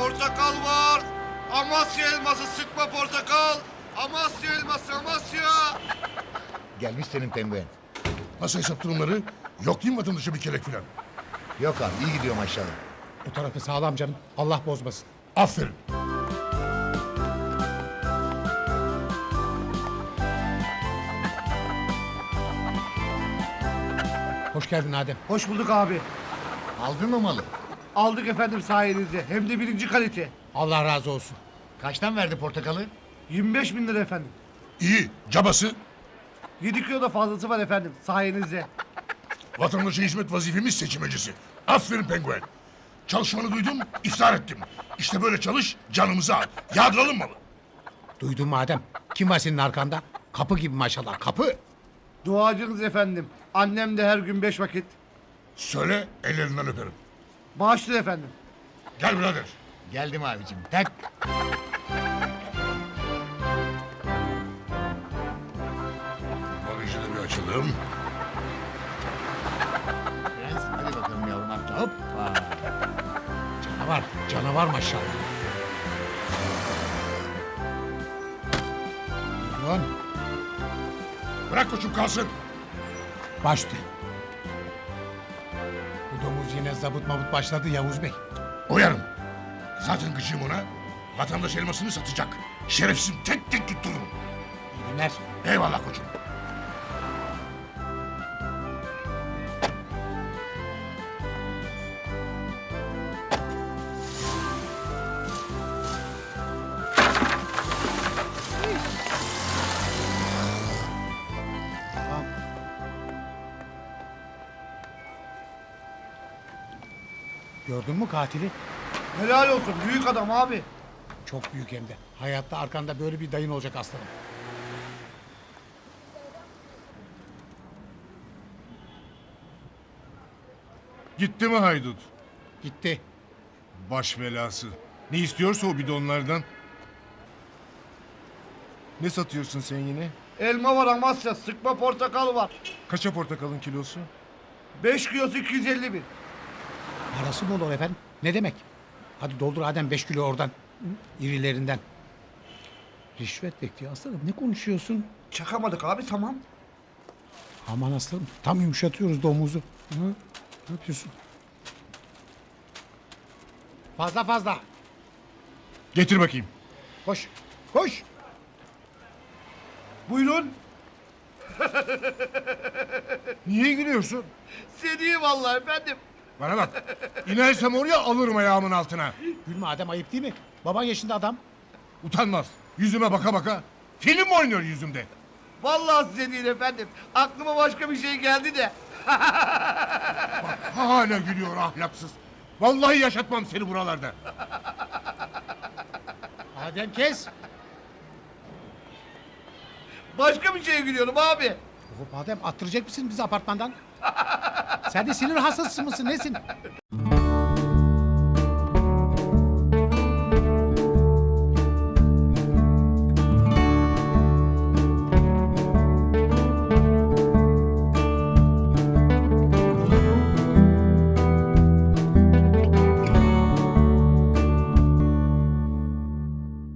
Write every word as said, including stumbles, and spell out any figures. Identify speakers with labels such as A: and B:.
A: portakal var. Amasya elması sıkma portakal. Amasya elması Amasya.
B: Gelmiş senin penguen.
C: Nasıl hesap durumları? Yok değil mi vatandaşa bir kelek filan?
B: Yok abi iyi gidiyor maşallah.
D: Bu tarafı sağlam canım. Allah bozmasın.
C: Aferin.
D: Hoş geldin Adem.
E: Hoş bulduk abi.
B: Aldın mı malı?
E: Aldık efendim sayenizde. Hem de birinci kalite.
D: Allah razı olsun.
B: Kaçtan verdi portakalı?
E: yirmi beş bin lira efendim.
C: İyi. Cabası.
E: yedi kilo da fazlası var efendim sayenizde.
C: Vatandaşa hizmet vazifemiz seçimecisi. Aferin penguen. Çalışmanı duydum, iftar ettim. İşte böyle çalış, canımızı al. Yağdıralım malı.
D: Duydun mu Adem? Kim var senin arkanda? Kapı gibi maşallah. Kapı.
E: Duacınız efendim. Annem de her gün beş vakit.
C: Söyle, ellerinden öperim.
E: Bağışlı efendim.
C: Gel birader.
B: Geldim abicim. Tak.
C: Bagajı da bir açalım.
B: Prens hadi bakalım yavrum amca. Hoppa.
D: Canavar. Canavar maşallah. Buyurun.
C: Bırak koçum kalsın.
D: Baştı. Bu domuz yine zabıt mabut başladı Yavuz Bey.
C: Uyarım. Zaten gıcığım ona. Vatandaş elmasını satacak. Şerefsizim tek tek tuttururum.
D: İyi günler.
C: Eyvallah koçum.
D: Gördün mü katili?
E: Helal olsun. Büyük adam abi.
D: Çok büyük hem de. Hayatta arkanda böyle bir dayın olacak aslanım.
F: Gitti mi haydut?
D: Gitti.
F: Baş belası. Ne istiyorsa o bidonlardan. Ne satıyorsun sen yine?
E: Elma var Amasya. Sıkma portakal var.
F: Kaça portakalın kilosu?
E: beş kilosu iki yüz elli bin.
D: Parası bol ol efendim. Ne demek? Hadi doldur Adem beş kilo oradan. İrilerinden. Rişvet bekliyor aslanım. Ne konuşuyorsun?
E: Çakamadık abi tamam.
D: Aman aslanım. Tam yumuşatıyoruz domuzu. Hı? Ne yapıyorsun? Fazla fazla.
F: Getir bakayım.
D: Koş. Koş.
E: Buyurun.
F: Niye gülüyorsun?
E: Seni vallahi efendim.
F: Bana bak. İnersem oraya alırım ayağımın altına.
D: Gülme Adem ayıp değil mi? Baban yaşında adam.
F: Utanmaz. Yüzüme baka baka. Film oynuyor yüzümde.
E: Vallahi size değil efendim. Aklıma başka bir şey geldi de.
F: Hala gülüyor ahlaksız. Vallahi yaşatmam seni buralarda.
D: Adem kes.
E: Başka bir şeye gülüyorum abi.
D: Hop Adem attıracak mısın bizi apartmandan? Sen de sinir hastası mısın nesin?